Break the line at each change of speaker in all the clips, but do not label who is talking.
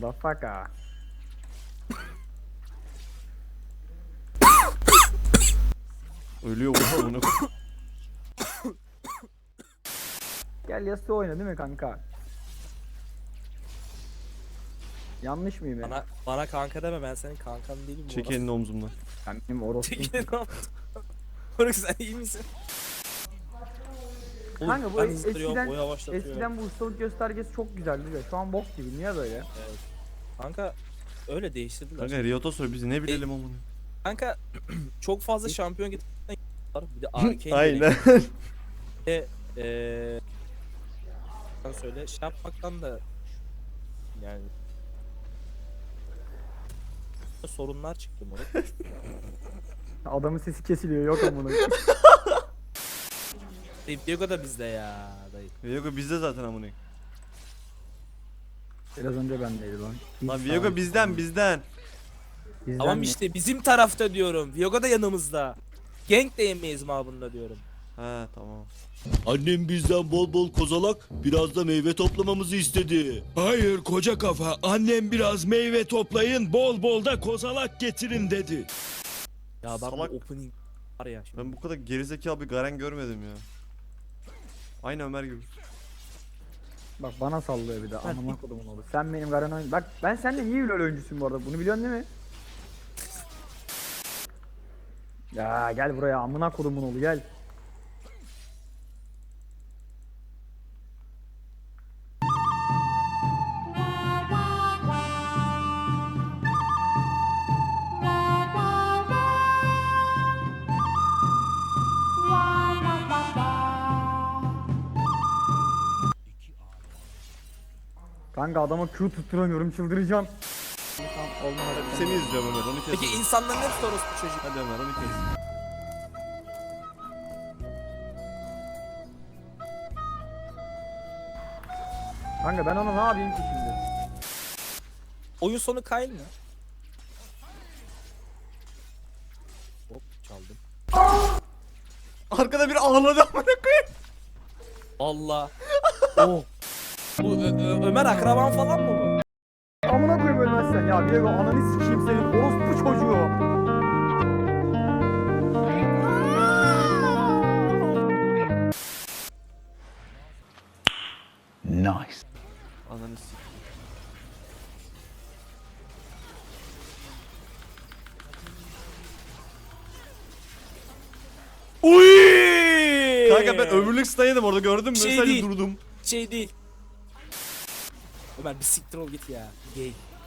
Motherfucker.
Ölüyor oha onu.
Gel Yasuo oyna değil mi kanka? Yanlış mıyım ya?
Bana kanka deme, ben senin kankan değilim.
Çek elini omzumdan.
Ben benim orospum.
Çekilin ne yaptın? Moruk sen iyi misin? Oğlum,
Kanka bu
ben hızlandırıyorum, o
eskiden
yavaşlatıyor.
bu ustalık göstergesi çok güzeldi de şu an bok gibi. Niye böyle?
Evet. Kanka öyle değiştirdiler.
Kanka Riot'a sor biz ne bilelim onu.
Kanka çok fazla şampiyon getirdiler. Bir de Arcane
Aynen.
sen söyle şey yapmaktan da yani sorunlar çıktı moruk.
Adamın sesi kesiliyor yok amına.
Diego da bizde ya dayı.
Viego bizde zaten amına.
Biraz önce bendeydi lan.
Lan Viego bizden.
Bizden
Tamam
mi?
işte bizim tarafta diyorum. Viego da yanımızda. Gank de yemeyiz mabında diyorum.
He tamam.
Annem bizden bol bol kozalak, biraz da meyve toplamamızı istedi.
Hayır koca kafa, annem biraz meyve toplayın, bol bol da kozalak getirin dedi.
Ya ben
Salak.
bu opening var ya şimdi.
Ben bu kadar gerizekalı bir Garen görmedim ya. Aynı Ömer gibi.
Bak bana sallıyor bir de amına kodumun oğlu. Sen benim Garen oyun. Bak ben seninle niye öyle oyuncusuyum bu arada? Bunu biliyorsun değil mi? Ya gel buraya amına kodumun oğlu gel. Kanka adama Q tutturamıyorum çıldıracağım. Olmadı.
Seni izliyorum Ömer onu kes.
Peki insanların hepsi orospu çocuk.
Hadi Ömer onu kes.
Kanka ben ona ne yapayım ki şimdi?
Oyun sonu Kayn mı? Hop çaldım.
Arkada bir ağladı amına koyayım.
Allah. Oh. Bu Ömer akraban falan mı bu?
Amına koyayım ölmezsen ya Diego ananı sikeyim senin orospu çocuğu.
Ananı sik.
Uy!
Kanka ben ömürlük staydım orada gördün mü?
Şey
Sadece
değil.
durdum.
Şey değil. Ömer bir siktir ol git ya. Gay.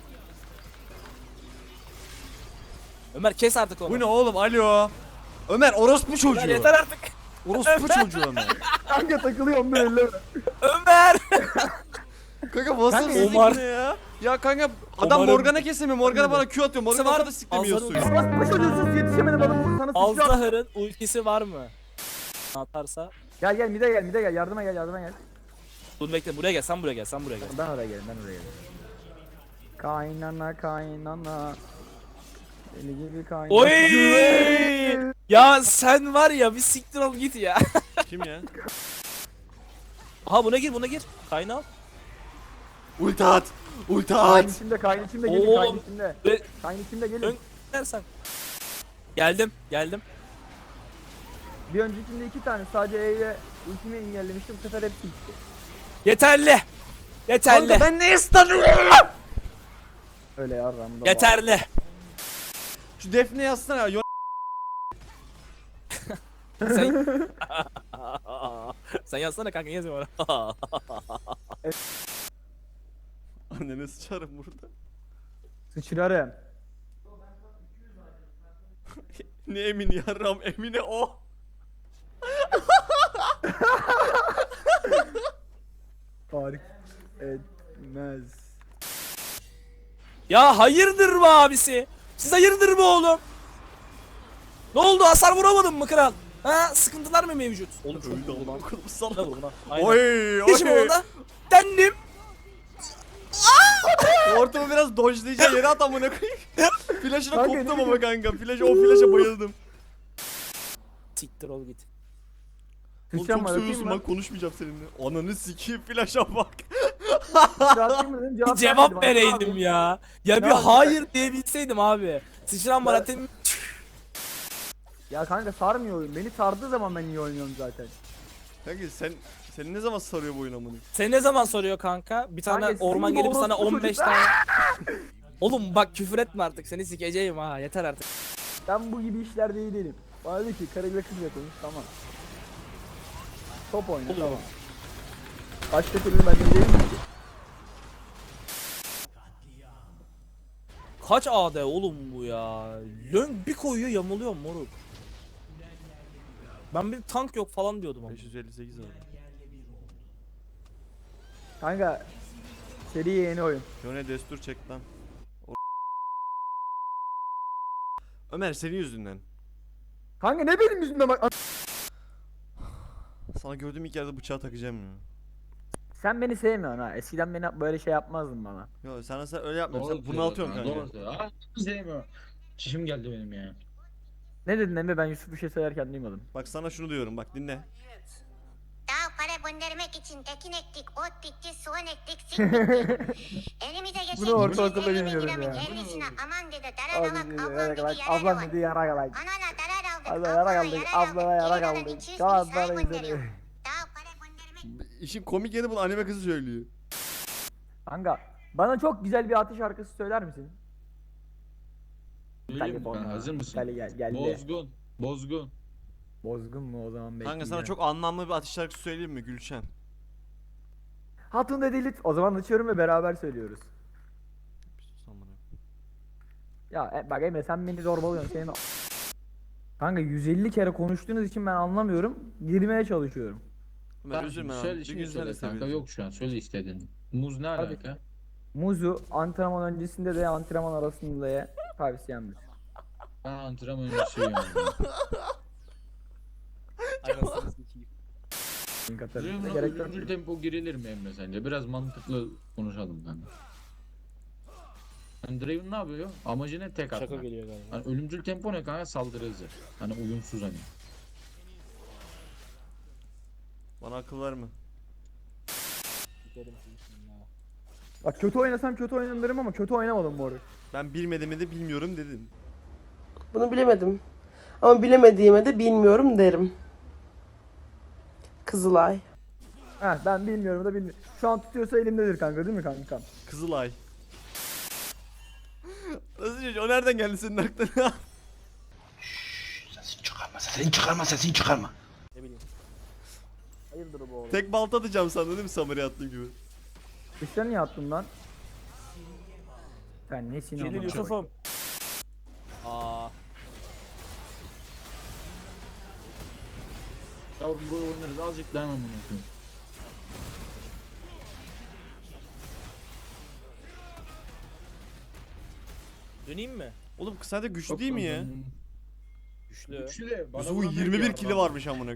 Ömer kes artık onu.
Bu ne oğlum alo. Ömer orospu çocuğu.
Ömer yeter artık.
Orospu çocuğu Ömer.
Kanka takılıyorum ben elleme.
Ömer.
Kanka nasıl
Kanka,
sikti
Omar.
ya? Ya kanka adam
Omar'ın-
Morgana kesemiyor. Morgana bana Q atıyor. Morgana
Var-
bana siklemiyor
Azar'ın-
suyu.
Orospu çocuğusuz yetişemedi bana sana sıçrıyor.
Alzahar'ın ultisi var mı? Atarsa.
Gel mide gel yardıma gel.
Dur bekle buraya gel, sen buraya gel, sen buraya gel.
Ben oraya gelin. Kaynana. Deli gibi kaynana.
Oy! Ya sen var ya bir siktir ol git ya.
Kim ya?
Aha buna gir. Kaynağı.
Ulti at. Ulti
Kayn
at.
içimde gelin
Oğlum.
kayn içimde.
Ve
Kayn içimde gelin.
Ön- dersen. Geldim.
Bir öncekinde 2 tane sadece E ile ultimi engellemiştim. Bu sefer hepsi gitti.
Yeterli.
Kanka ben ne istedim?
Öyle ya ramda.
Yeterli.
Şu Defne yazsana ya.
Sen... Sen yazsana kanka yazma bana.
Annene sıçarım burada.
Sıçrarım.
Ne emin yarram emine o.
Fark etmez.
Ya hayırdır mı abisi? Siz hayırdır mı oğlum? Ne oldu, hasar vuramadın mı kral? Ha, sıkıntılar mı mevcut? Oğlum çok
Öldü
vurdu lan.
oğlum.
Ne
Salak.
vurdu lan? Aynen.
Oy
Geçim
oy.
orada. Dendim.
Ortamı biraz dodge'layacağım yere at amına koyayım. Flash'ına
Kanka,
koptum
ne
ama kanka. O flash'a bayıldım.
Siktir ol git.
Oğlum
Sıçacağım
çok
var
seviyorsun
öpeyim
ben
mi?
konuşmayacağım seninle. Ananı sikeyim flash'a bak.
Rahatlayayım mı dedim,
Cevap
vermedim.
vereydim ya. Ya bir
Ne yapayım?
hayır diyebilseydim abi. Sıçran bana tem...
Ya kanka sarmıyor oyun. Beni sardığı zaman ben iyi oynuyorum zaten.
Kanka senin ne zaman sarıyor bu oyun amına?
Seni ne zaman soruyor kanka? Bir tane
Kanka,
orman
senin
gelip sana
orospu
15
çocuk-
tane... Oğlum bak küfür etme artık, seni sikeceğim ha, yeter artık.
Ben bu gibi işlerde iyi değilim. Bana dedi ki karıyla kızla konuş, tamam. Top oyna, tamam. Başka türlü ben de değilim ki.
Kaç AD oğlum bu ya? Lön bir koyuyor yamuluyor moruk. Ben bir tank yok falan diyordum ama.
558 abi.
Kanka seri yeni oyun.
Yone destur çek lan. Ömer senin yüzünden.
Kanka ne benim yüzümden bak.
Sana gördüğüm ilk yerde bıçağı takacağım ya.
Sen beni sevmiyorsun ha. Eskiden beni böyle şey yapmazdın bana.
Yo sen öyle yapmıyorsun.
Doğru
Sen
söylüyor
bunaltıyorsun
kanka,
kanka.
doğru söylüyor. Aa, sevmiyorum. Çişim geldi benim ya.
Ne dedin Emre, ben Yusuf bir şey söylerken duymadım.
Bak sana şunu diyorum bak dinle.
Daha para göndermek için ekin ektik, ot bitti, soğan ektik, sik bitti. Elimize geçen
Bunu ortaokulda
250 bin
bilmiyorum
liramın
ya.
50'sine aman dedi,
Ablam
daralamak,
dedi
ablam
yarak alak, ablam
dedi, yarar alak.
dedi yarak alak.
Anana darar aldık,
Abla yarak aldık, ablama yarak
Kenardan
aldık.
200 bin
Galatasaray
sağa gönderiyor.
izledi.
Daha para göndermek
İşin komik yanı bunu anime kızı söylüyor.
Kanka bana çok güzel bir atış şarkısı söyler misin?
Söyleyeyim mi
Telefon
kanka,
ha.
hazır mısın?
Geldi.
Bozgun. Bozgun.
Bozgun mu o zaman bekliyor.
Kanka sana çok anlamlı bir atış şarkısı söyleyeyim mi Gülşen?
Hatun dedi o zaman açıyorum ve beraber söylüyoruz.
Bir sus amına.
Ya bak Emre sen beni zorbalıyorsun senin. Kanka 150 kere konuştuğunuz için ben anlamıyorum. Girmeye çalışıyorum.
Ömer üzülme lan.
Söyle
Bir
şimdi
gün sen de
söyle kanka,
sevinirsin.
yok şu an söyle istediğin. Muz ne
Hadi.
alaka?
Muzu antrenman öncesinde de antrenman arasında da tavsiyemdir.
Ben antrenman öncesi yiyorum.
Anasını sikeyim.
Link atarım.
Dream'la
Gerek yok.
ölümcül tempo girilir mi Emre sence? Biraz mantıklı konuşalım kanka. Hani Draven ne yapıyor? Amacı ne? Tek atmak.
Şaka geliyor galiba.
Hani ölümcül tempo ne kanka? Saldırı hızı. Hani uyumsuz hani.
Bana akıl verme.
Bak kötü oynasam kötü oynarım derim ama kötü oynamadım bu arada.
Ben bilmediğimi de bilmiyorum dedim.
Bunu bilemedim. Ama bilemediğime de bilmiyorum derim. Kızılay.
Heh ben bilmiyorum da bilmiyorum. Şu an tutuyorsa elimdedir kanka değil mi kankam?
Kızılay. Nasıl çocuk? O nereden geldi senin aklına?
Ne bileyim.
Hayırdır bu oğlum?
Tek balta atacağım sandın değil mi Samir'e attığım gibi?
Dışarı niye attın lan? Sen nesin
Gelin
ama?
Yusuf'um. Aa.
Yavrum böyle oynarız, azıcık dayanamam bunu koyayım.
Döneyim mi?
Oğlum kısa da güçlü
Yok
değil mi
lan,
ya?
Güçlü.
Güçlü de. bana
Yusuf'un
vuramıyor
21
ki
kili
adam.
varmış amına.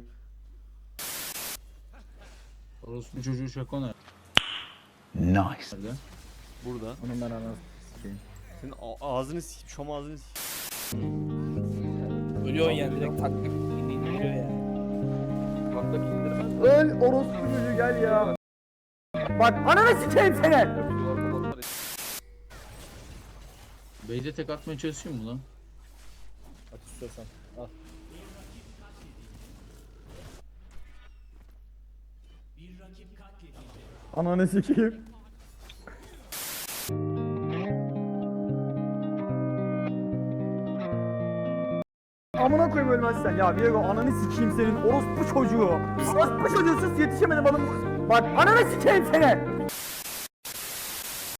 Orospu çocuğu şakona.
Nice.
Nerede?
Burada.
Onun ben anasını sikeyim.
Senin ağzını sikeyim, şom ağzını sikeyim.
Ölüyorsun yani direkt tak tak indiriyor yani.
Öl orospu çocuğu gel ya. Bak ananı sikeyim seni.
Beyde tek atmaya çalışıyor mu lan?
At istiyorsan. Al.
Ananı sikeyim. Amına koyayım ölmezsen ya Viego ananı sikeyim senin orospu çocuğu. Orospu çocuğu sus yetişemedim oğlum. Bak ananı sikeyim seni.